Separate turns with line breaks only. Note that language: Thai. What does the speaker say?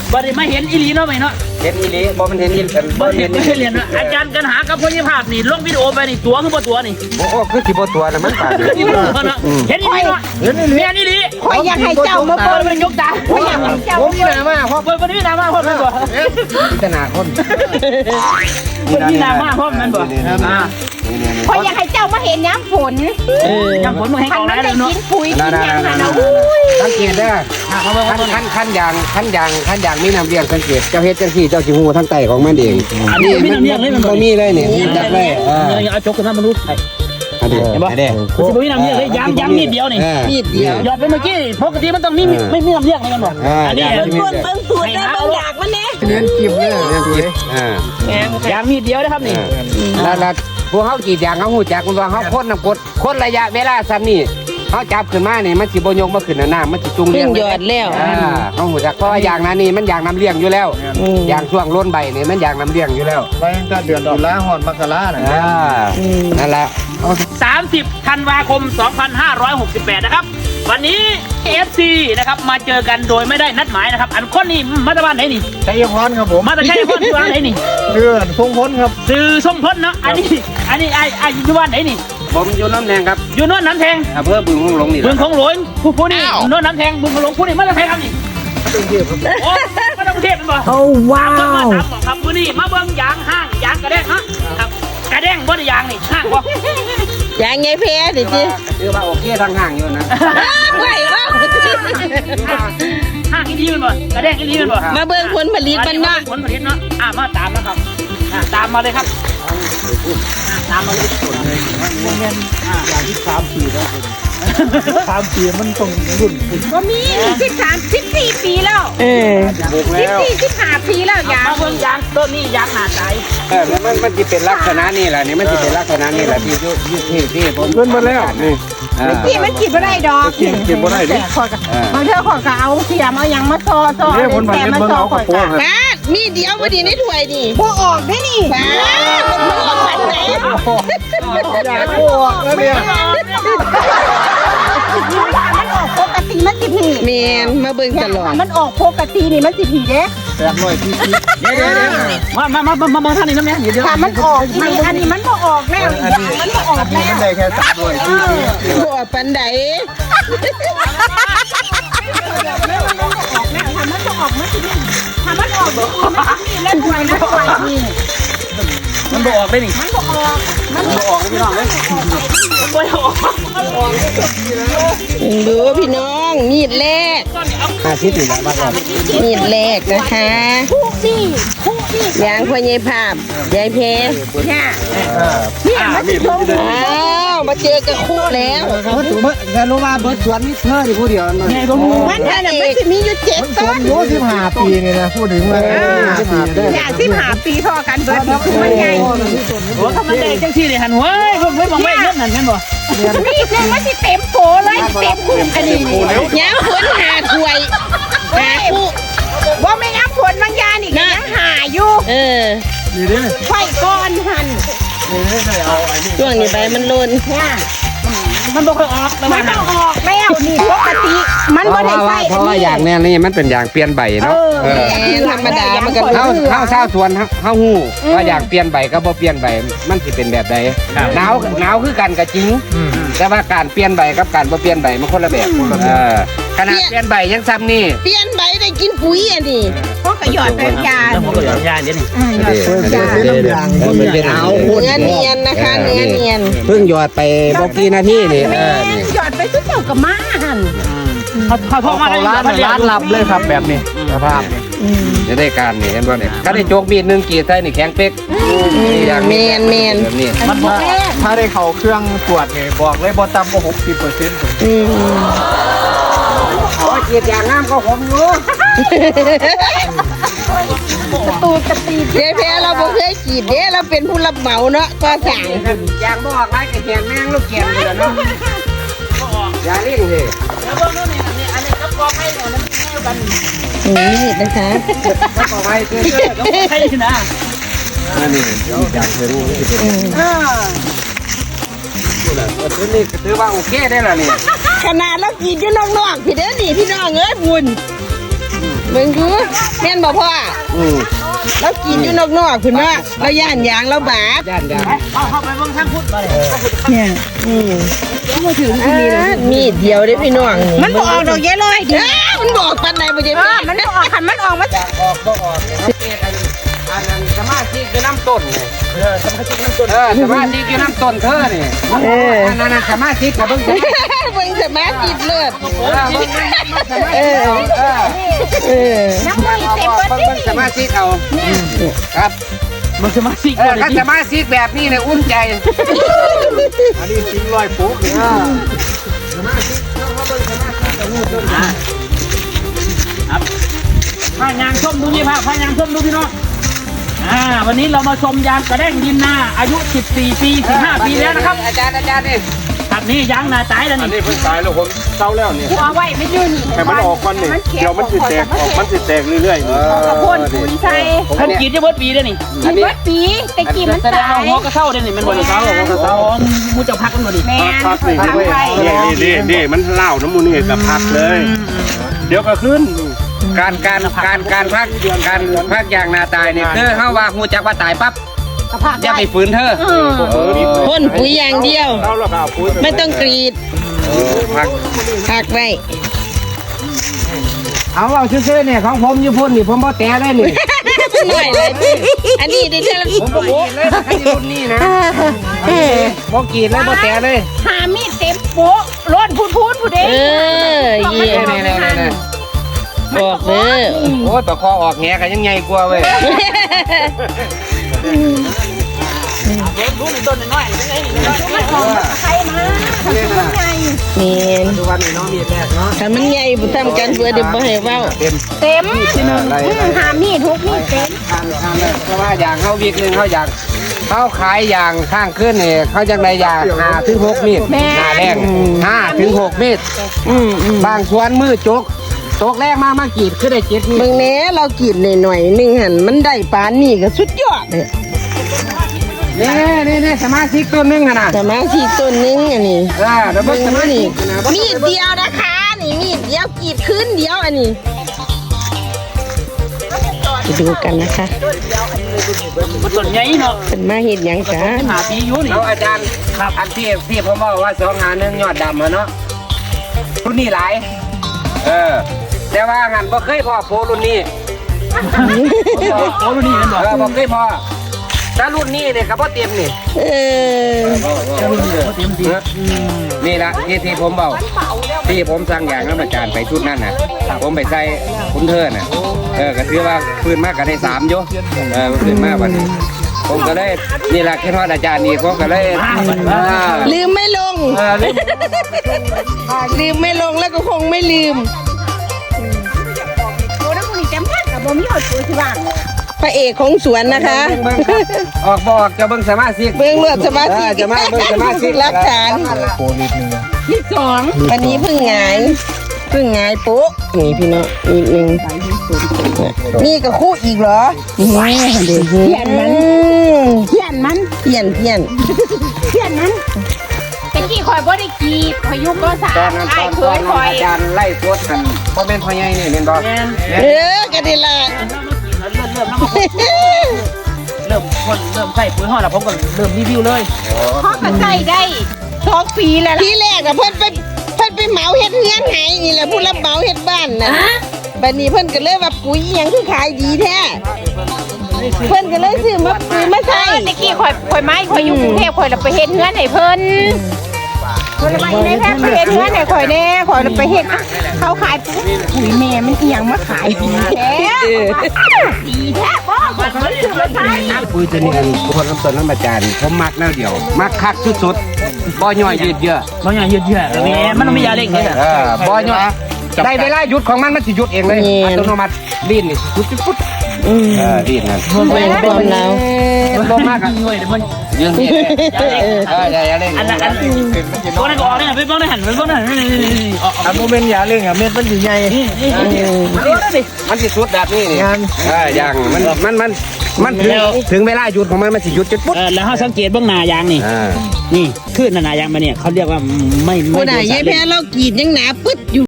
บ่ได้มาเห็นอีหลีเนาะไหมเนาะ
เห็นอีหลีบ่มันเห็นอีหลีบ่เห็นอีหลี
อาจารย์กันหากับพยาภาพนี่ลงวิดีโอไปนี่ตัวคือบ่ตัวนี่
โอ้คือสิบ่ตัวน่ะมันปาก
เห็นอีหลีเนาะเห็นอีหลีเห็นอีหลี
คอยอยากให้เจ้ามาเปิด
มันยกตา
คอยอยากให้เจ้า
ผมนี่นะมาเพราะ
เปิดวันนี้นามาพ่อมันบ่
พิจารณาคน
วันนี้นามาพ่อมันบ่
คอยอยากให้เจ้ามาเห็นย้ำฝน
ยังฝนมันให้
คัน
เอา
มั
แล้
น
ว
ได้
เนาะ
กินปุ๋ยกินยางนะอุ้ย
สังเกตเด้อขั้นยางมีน้ำเลี้ยงสังเกตเจ้าเฮ็ดจังซี่เจ้าสิฮู้ทั้งไตของมันเองนี่มันบ่มีเลยนี่จับได้
เอาจกขึ้นมามันรู้ไ
อันนี้เห็นบ่
สิบ่มีน้ำเลี้ยงเลยย้ำนิดเดียวนี่
นิดเดียว
หยอดไปเมื่อกี้ปกติมันต้องมีไม่มีน้ำเลี้ยงเลยกันบ่อันนี้
เบิ่งสูตรได้บางอย่างมันแน่
เลี้ยงกิบเลยเลี้ยงกิบ
ย้ำนิดเดียวนะครับนี่
แล้วพวกเฮากรีดยางเฮาฮู้จักว่าเฮาพ่นน้ำกรดคนระยะเวลาซ้ำนี่เฮาจับขึ้นมานี่มันสิบ่ยกมาขึ้นน้ำมันสิจุงเลี้ยง
หยอดแล้ว
เฮาฮู้จักเพราะว่าอย่างนั้นนี่มันอย่างน้ำเลี้ยงอยู่แล้วอย่างช่วงล้นใบนี่มันอย่างน้ำเลี้ยงอยู่แล้ว
ไปตั้งเดือนตุลาฮอดมกราน่ะ
นั่นแหละ
30 ธันวาคม 2568 นะครับวันนี้ FC นะครับมาเจอกันโดยไม่ได้นัดหมายนะครับอันคนนี้มาจากบ้านไหนนี่
ชัยพรครับผม
มาจากชัยพรที่บ้านไหนนี่
เดือนทรงพ้นครับ
ซื้อทรงพ้นเนาะอันนี้อยู่บ้านไหนนี่
ผมอยู่น้ำแดงครับ
อยู่โน่นน้ำแทง
อำเภอบึงหลงนี่
บึงของหลวงผู้นี่โน่นน้ำแทงบึงของหลวงผู้นี่มาจากไหนครับนี่โอ้มาจากกรุงเทพเป็นบ่
โอ้ว้าว
ครับผู้นี่มาเบิ่งยางห้างยางกระแดงฮะครับกระแดงบ่ได้ยางนี่ห้างบ่
อย่างไงเพดิจิ
คือว่าโอเคทางห่างอยู่นะ
ไหวว่า
ห้างอีลีมันบ่กระแดงอีลีมันบ่
มาเบิ่งผลผลิตมันเนาะ
ผลผลิตเนาะมาตามนะครับตามมาเลยครับตามมาเลย
อย่างที่3 ปีแล้ว3 ปีมันต้องรุ่น
ก็มี14 ปีแล้ว15 ปีแล้วยาง
มาเบิ่งยางต้นนี้ยางหนาใจ
มันจะเป็นลักษณะนี่แหละนี่มันจะเป็นลักษณะนี่แหละที่ผม
เพิ่นมาแล้วนี่
ที่มันกินบ่ได้ดอก
กินบ่ได้ดิ
บางเทื่อขอยก็เอาเสียมเอาหยังมาซอแต่มันซอข่อยก็มีเดียวพอดีในถ้วยนี่บ่ออกได้นี่บ่ออกวันไหน
อยากออกแล้วเนี่ย
มันออกปกติมันสิผีแม่นมาเบิ่งตลอดมันออกปกตินี่มันสิผีเด้
800 cc
เดี๋ยวมาท่านนี่น้ำเนี่ยเดี๋ยว
ถ้ามันออกนี่อันนี้มันบ่ออกแล้วมันบ่ออกแล้ว
มันได้แค่300 cc
บ่ออกปานใดถ้ามันบ่ออกมันสิผีถ้ามันออกบ่แล้วถวยนะถวยนี่
มันบ่ออกได้นี่
มันบ่ออก
พี่น้องเลยมันบ่ออก
ดูพี่น้องมีดแรก
50นี่แหละบ้านเรา
มีดแรกนะคะยางพ่อใหญ่ภาพยายเพเนี่ยมันสิชมมาเจอกับคู่แล้ว
แต่รู้ว่าเบิร์ดสวนนี่เธออยู่ผู้เดียว
มันสิมีอยู่7 ต้น
อายุ15 ปีนี่นะพูดถึงว่า
15 ปีพอกันเบิร์ดมันใหญ่
โอ้ถ้ามันได้จังซี่เลยหันหัวเพิ่นมองไม่เงินนั่นแม่นบ่
นี่คือมันสิเต็มโผเลยเต็มคุมอันนี้ยาวฝนหาถ้วยหาคู่ว่าไม่ยาวฝนบางยานี่ก็ยังหาอยู่
นี่ดิ
ไฟก้อนหันช่วงนี้ใบมันหล่น
มันบ่ค่อยออก
มันต้องออกแล้วนี่ปกติมันบ่ได้ใส่
เพราะว่าอย่างนี้นี่มันเป็นอย่างเปลี่ยนใบเนาะ
ธรรมดามันก็
เข้าชาวสวนเข้าหู้ว่าอย่างเปลี่ยนใบก็บ่เปลี่ยนใบมันสิเป็นแบบใดหนาวคือกันก็จริงแต่ว่าการเปลี่ยนใบกับการบ่เปลี่ยนใบมันคนละแบบขนาดเปลี่ยนใบยังซ้ำนี่
เปลี่ยนใบได้กินปุ๋ยอ่ะนี่พวกก็หยอดเป็นยา
พวกก็หยอดยาเดี๋ยวนี้
หยอดเป็นยาเนื้อเนียนนะคะเนื้อเนียน
เพิ่งหยอดไปบ่กี่นาทีนี่
หยอดไปทุกเจ้ากับมาหัน
เขาพ่อมา
ร้านลับเลยครับแบบนี้สภาพ
จะได้การนี่เห็นบ่เนี่ยถ้าได้โจกมีด1กรีดใส่นี่แข็งเป๊ก
แมน
มันถ้าได้เข้าเครื่องตรวจนี่บอกเลยบ่ต่ำกว่า 60%
โอ้ยกรีดอย่างงามก็ผมอยู่
ตูดกระตีเจ๊แพ้เราบ่เคยกรีดเด้เราเป็นผู้รับเหมาเนาะก็สั่ง
อย่างบ่ออกไรก็แข็งแมงลูกแข็งอยู่แล้วเนาะอย่าเล่นเลย
แล้วเบิ่งนู่นนี่อันนี้กับกอไผ่เนี่ยมันแนวกัน
นี่นะคะ
กอไผ่คือ
ไผ่นะ
นี่อย่างเธอรู้ที่เป็นนี่ถือว่าโอเคได้แล้วนี่
ขนาดเรากรีดอยู่นอกๆพี่เด้อนี่พี่น้องเอ้ยบุญเบิ่งดูแม่นบ่พ่อ เรากินอยู่นอกๆคุณว่าเราย่านยางเราบาด
ย่าน
เข้าไปเบิ่งทางพุทธมาเลย
เนี่ยมาถึงที่นี่เลยมีดเดียวได้พี่น้องมันบอกออกดอกแย่ลอยดิมันบอกปันไหนบ่ใช่มันบอกออกคันมันออกมาจาก
ออกบ่ออกเนี่ยอันนั้นสมาธิคือน้ำต้นเนี่ยสมาธิน้ำต้นสมาธิคือน้ำต้นเธอเนี่ยอันนั้นสมาธิกับเบิ่ง
เบิ่งสมาธิเลือด
น้ำมันเต็มเบิ่งสมาธิเอาครับ
มันสมาชิก
ถ้าสมาธิแบบนี้เนี่ยอุ่นใจ
อันนี้ทิ้งรอยปุ๊บเลย
ครับพายางส้มดูนี่พายางส้มดูพี่น้องวันนี้เรามาชมยางกระแด้งดินนาอายุ14 ปี15 ปีแล้วนะครับ
อาจารย์นี่
ครับนี่ยางนาตายแล้ว
อัน
นี่
นี้เพิ่งตายแล้วผมเศร้าแล้วเนี่ย
เอาไว้ไม่ยืน
ให้มันออกก่อนนี่เดี๋ยวมันสิแตกออกมันสิแตกเรื่อยๆ
กระพ่นปุ๋ยใส่
ผมกรีดจะเบิดปีได้นี่
กินเบิดปีแต่กินมัน
แสดง
ตา
ว่าย หัวกระเซ้าได้นี่มันบ่ได้เซ้าหัวกระเซ้ามูจะพักกันบ่ดิ
แม่
พักนี่นี่มันเล่าน้ำมูนี่กับพักเลย เดี๋ยวก็ขึ้น
การพักอย่างนาตายเนี่ยคือเฮาว่าฮู้จักว่าตายปั๊บอย่าไปฝืนเธอ
พ่นปุ๋ยอย่างเดียว
เล่าแล้วก็เอาปุ๋ย
ไม่ต้องกรีด
พัก
หักไว้
เอาเอาซื่อๆเนี่ยของผมอยู่พุ่นนี่ผมบ่แตะเลยนี่
หน่อยเลยอันนี้ได้เท่า
ผมบ่กรีดเลยถ้าอยู่รุ่นนี้นะบ่กรีดเลยบ่แตะเลย
หามีดเต็มโป๊ะร้อนพูดผู้เด้
เยี่ย
นี่
บอกเด้อ
โอ้ยตะคอออกแหก็ยังใหญ่กว่าเว้ย
ดูในต้นน้อยๆนี่
ใครมาทำยังไง
นี่
ทุกวันนี้น้องมีแรกเนาะ
ถ้ามันใหญ่บ่ทำกันเพื่อเดี๋ยวบ่ให้เว้า
เต็มหามีดทุกมีดเต็ม
ทางเพราะว่าอย่างเขาวิกนึงเขาอยากเขาขายอย่างข้างขึ้นนี่เขาจังไดอย่าง5 ถึง 6 มีดหน้าแรง5 ถึง 6 มีดบางสวนมือจกแรกมากรีดคือได้7 มีด
เบิ่งแหน่เรากินหน่อยๆนึงหั่นมันได้ปานนี้ก็สุดยอดเลย
นี่สมาชิกตัวนึงนะ
สมาชิกต้นนึงอันนี้
เดี๋ยวเบิ่งสมาชิก
มีดเดียวนะคะนี่มีดเดียวกรีดขึ้นเดียวอันนี้ไปดูกันนะคะ
มันต้นใหญ่เนาะ
เป็นมาเห็ดหยังกัน
หาปีอยู่นี่
แล้วอาจารย์ครับอันที่ผมบอกว่า251ยอดดำเนาะรุ่นนี้หลายแต่ว่าหันบ่เคยพอโพรุ่นนี้
โอ้ดูนี่มันบอก
บ่เคยพอถ้ารุ่นนี้เนี่ยครับบ่เต็มนี่ นี่ละที่ผมบอกที่ผมสั่งอย่างนั้นอาจารย์ไปชุดนั้นน่ะผมไปใส่คุณเทิร์น่ะก็ถือว่าพื้นมากก็ได้3อยู่พื้นมากวันนี้ผมก็เลยนี่ละคิดว่าอาจารย์นี่ผมก็เลย
ลืมไม่ลง ลืมไม่ลงแล้วก็คงไม่ลืม
โอ้แล้วมึงนี่เต็มพัดกับบ่มีหอดปุ๋ยที่บ้าน
พระเอกของสวนนะคะ
ออกบอกจะเบิ่งสมาชิก
เบื้องเลือดสมาธิ
จะมาเบิ่งสมาชิก
รักฐาน
โคนิดนึง
ที่สองวันนี้เพิ่งหงายโป๊ะนี่พี่น้องนิดนึงนี่ก็คู่อีกเหรอเพี้ยนมัน
เขียนมัน
เพี้ยน
เขียนมันแต่กี้คอยบ่ได้กีดคอยยุกก็สา
ตอนนั้น
ไอ้เคยคอย
อาจารย์ไล่โพสกันบ่เป็นพ่อใหญ่นี่เห็นบ่
กันดีละ
เริ่มใส่ปุ๋ยห่อแล้วผมก็เริ่มรีวิวเลย
พ่อก็ใส่ได้2 ปีแล้วล่ะ
ที่แรกอะเพิ่นไปเหมาเฮ็ดเฮือนให้นี่แหละผู้รับเหมาเฮ็ดบ้านน่ะบัดนี้เพิ่นก็เลยว่าปุ๋ยหยังคือขายดีแท้เพิ่นก็เลยซื้อมาปุ๋ยมาใส่
แต่กี้คอยไม้คอยอยู่กรุงเทพคอยเราไปเฮ็ดเฮือนให้เพิ่นคนละไปในแพทย์ไปเฮ็ดเฮือนให้คอยแน่คอยเราไปเฮ็ดเขาขายปุ๋ยแม่มันอีหยังมาขายดีแท้ดีแท้บ่คอยซื้อมาใส่
ปุ๋ยตัวนี้คนน้ำต้นน้ำอาจารย์ผมมักแนวเดียวมักคักสุดๆบ่ย่อยยืดเยื้อ
มันอย่างยืดๆแล้วแม่มันต้องมียาเร่งนี่
บ่ย่อยได้เวลาหยุดของมันสิหยุดเองเลยอัตโนมัติลิ้นนี่หยุดปุ๊บลิ้นนั่น
เป็นความเรา
บ่มากอ่ะ
เงยเดี๋ยวมัน
ยืนนี่อย่าเล่น
อันนั้นตัวนั้นก็ออกเนี่ยไปบ้องได้หันไปบ้องได้หันออก
อันโมเมนต์ยาเร่งอ่ะเม็ดมันอยู่ใหญ่
มันสิสุดแบบนี้นี่อย่างมันถึงเวลาหยุดของมันสิหยุดจุดปุ๊บ
แล้วเขาสังเกตเบื้องหน้ายางนี่นี่ขึ้นหน้ายางมาเนี่ยเขาเรียกว่าไม่
ผู้ใดยายแพ้เรากรีดยังหนาปึ๊ดอยู่